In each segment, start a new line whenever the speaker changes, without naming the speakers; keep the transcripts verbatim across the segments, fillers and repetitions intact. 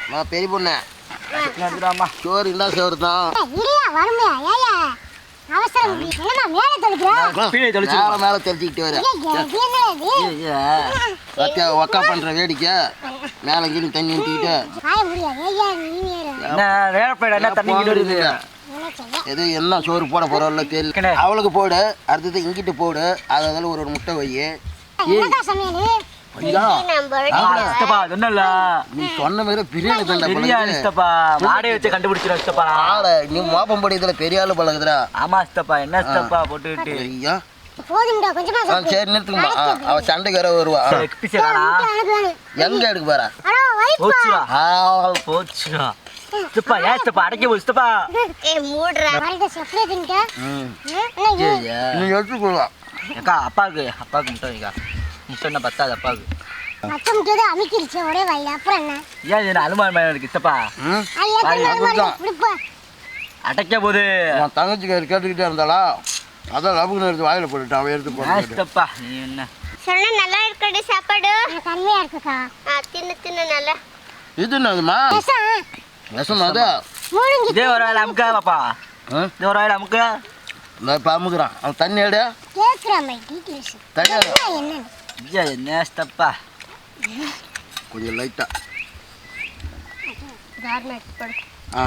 நான் பெரிய பொண்ணு சோறு என்ன சோறு தான் மேல தெளிச்சுக்கிட்டு வர ஒக்கா பண்ற வேடிக்கை மேல கீழே தண்ணி ஊற்றிக்கிட்டு எது என்ன சோறு போட போறோம்ல தெரியல. அவளுக்கு போடு, அடுத்தது இங்கிட்டு போடு, அதில் ஒரு ஒரு முட்டை வை. நீ சொன்ன மாதிரி பிரியாணி நீ மோப்பம் படிக்கிறதுல பெரிய ஆளு பழகுதுடா.
ஆமா சித்தப்பா, என்ன சித்தப்பா போட்டுக்கிட்டு
சரி நிறுத்துக்குமா. அவ சண்டைக்கு வர வருவா. எங்க எடுக்க போறா?
போச்சுடா சித்தப்பா. ஏன் சித்தப்பா அடைக்க போச்சு சித்தப்பா?
நீ எடுத்துக்கொள்ளா.
அக்கா அப்பாவுக்கு அப்பாவுக்கு முட்டை வைக்கா. முட்டை என்ன பத்தாது அப்பாவுக்கு. ஏன் அனுமானம் இருக்கு சித்தப்பா? அடைக்க போது
தங்கச்சி கேட்டுக்கிட்டே இருந்தாளா, அதான் லபுக்கு எடுத்து வாயில போட்டுட்டு அவன் எடுத்து போட்டா.
நீ என்ன
சொன்ன நல்லா இருக்கடி சாப்பாடு? கம்மியா இருக்குக்கா. தின்னு தின்னு நல்லா.
இது என்னதுமா? விஷம் அது.
இதே ஒரு வாயில அமுக்கா பாப்பா. இதே ஒரு வாயில அமுக்கா.
நான் இப்போ அமுக்குறான். அவன் தண்ணி எடு. தண்ணி
ஐயா என்ன சித்தப்பா?
கொஞ்சம் லைட்டா. ஆ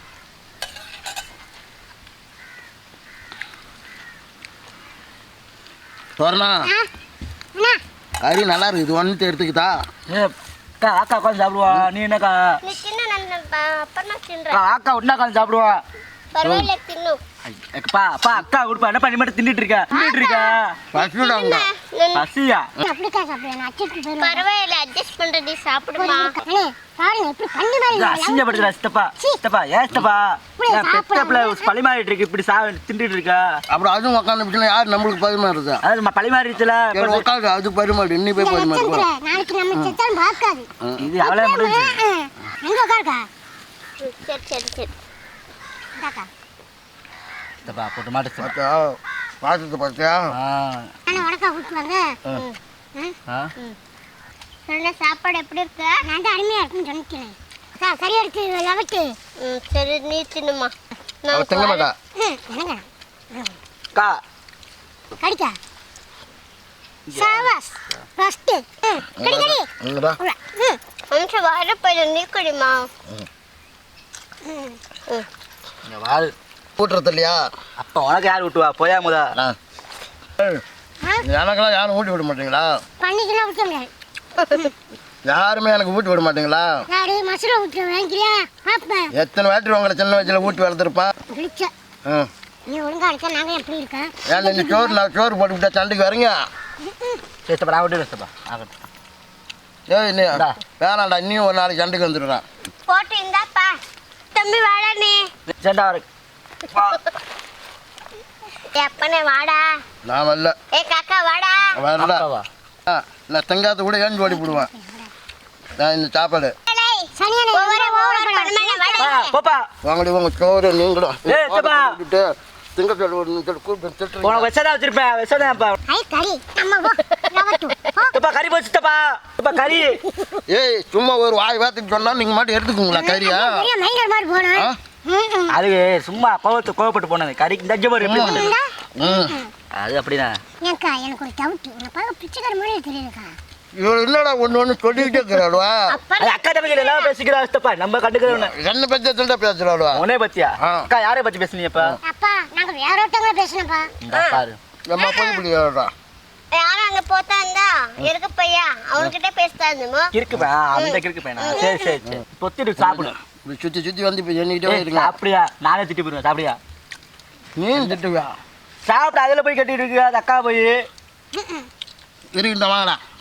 சோர்ணா கறி நல்லா இருக்கு. இது ஒன்று எடுத்துக்கிட்டா
அக்கா அக்கா உட்காந்து சாப்பிடுவா. நீ என்னக்கா அக்கா உடனே உட்காந்து சாப்பிடுவா. அப்பா அப்பா அக்கா கொடுப்பா. என்ன பண்ணி மட்டும் தின்னுட்டு இருக்க தின்னுட்டு இருக்க
பசிடாங்க.
பசியா?
பரவாயில்ல அட்ஜஸ்ட் பண்றடி சாப்பிடுமா.
அசிங்கப்படுத்துறா சித்தப்பா. சித்தப்பா ஏன் சித்தப்பா பழி மாறிட்டு இருக்கு இப்படி சா தின்னுட்டு இருக்கா?
அப்புறம் அதுவும் உட்காந்து யார் நம்மளுக்கு பரிமாறுது?
அது பழி மாறிடுச்சுல
உட்காந்து அது பரிமாறு. இன்னி போய் பரிமாறு.
இது அவ்வளோ முடிஞ்சு.
சரி சரி சரி
சித்தப்பா போட்டு மாட்டு
பார்த்தா பார்த்துட்டு பார்த்தியா?
சாப்பாடு எப்படி இருக்கு? நான் அருமையா இருக்குன்னு சொன்னேன். சரியா இருக்கு லவட்டு. சரி நீ தின்னுமா.
நான் திங்க மாட்டா.
அக்கா
கடிக்கா சாவாஸ் ஃபர்ஸ்ட் கடி கடி.
என்னடா
அம்ச வாட போய் நீ கடிமா.
இங்க வாரு
ஊட்டுறது இல்லையா?
அப்போ உனக்கு யார் ஊட்டுவா? போயா முதா.
எனக்கெல்லாம் யாரும் ஊட்டி விட மாட்டீங்களா?
பண்ணிக்கலாம் ஊட்ட முடியாது.
யாருமே எனக்கு ஊட்டி விட மாட்டீங்களா?
மசுரை ஊட்ட வாங்கிக்கிறியா?
எத்தனை வாட்டி உங்களை சின்ன வயசுல ஊட்டி வளர்த்துருப்பான்.
நீ ஒழுங்கா இருக்க. நாங்க எப்படி இருக்கேன்?
ஏன் நீங்க சோறு நான் சோறு போட்டு விட்டா சண்டைக்கு வரீங்க?
சித்தப்பா நான் விட்டு சித்தப்பா ஆகட்டும்.
ஏய் நீ வேணாண்டா, இன்னும் ஒரு நாளைக்கு சண்டைக்கு வந்துடுறான்.
போட்டு இந்தாப்பா தம்பி வாடா. நீ
சண்டை வர
எப்பனே வாடா.
நான் வரல.
ஏ காக்கா வாடா.
வரல. நான் தெங்காத்த கூட ஏன் ஓடி போடுவேன். நான் இந்த சாப்பாடு வாங்கடி உங்க சோறு நீங்களும் திங்க
வச்சிருப்பேன். கறி போச்சு சித்தப்பா. கறி
ஏய் சும்மா ஒரு வாய் வார்த்தைக்கு சொன்னா நீங்க மட்டும் எடுத்துக்கோங்களா கறியா?
அது சும்மா கோவத்து கோவப்பட்டு போனது. கறிக்கு தஞ்ச மாதிரி அது அப்படின்னா
எனக்கு ஒரு டவுட். உனக்கு பிச்சைக்கார மாதிரி தெரியுதுக்கா.
இவரு என்னடா ஒண்ணு ஒண்ணு சொல்லிக்கிட்டே இருக்கிறாளுவா?
அக்கா தம்பி எல்லாம் பேசிக்கிறா சித்தப்பா. நம்ம கண்டுக்கிறோம்.
என்ன பத்தி சொல்லிட்டா பேசுறாளுவா?
உன்னே பத்தியா? அக்கா யாரை பத்தி பேசுனீங்க?
அப்பா நாங்க வேற ஒருத்தவங்க பேசணும்ப்பா.
பாரு
நம்ம போய் இப்படி சொல்றா.
யாரும் அங்க போத்தாந்தா இருக்கு பையா அவன்கிட்ட பேசுறானுமோ
இருக்குப்பா. அந்த இருக்கு பையனா? சரி சரி சரி பொத்திட்டு சாப்பிடு.
சுத்தி சுத்தி வந்து இப்ப எண்ணிக்கிட்டே இருக்கா.
அப்படியா? நானே திட்டி போயிருவேன். சாப்பிடியா?
நீ திட்டுவியா?
சாப்பிட்டு அதுல போய் கட்டிட்டு இருக்கு. அது அக்கா போய்
இருக்கட்டும் வாங்கடா.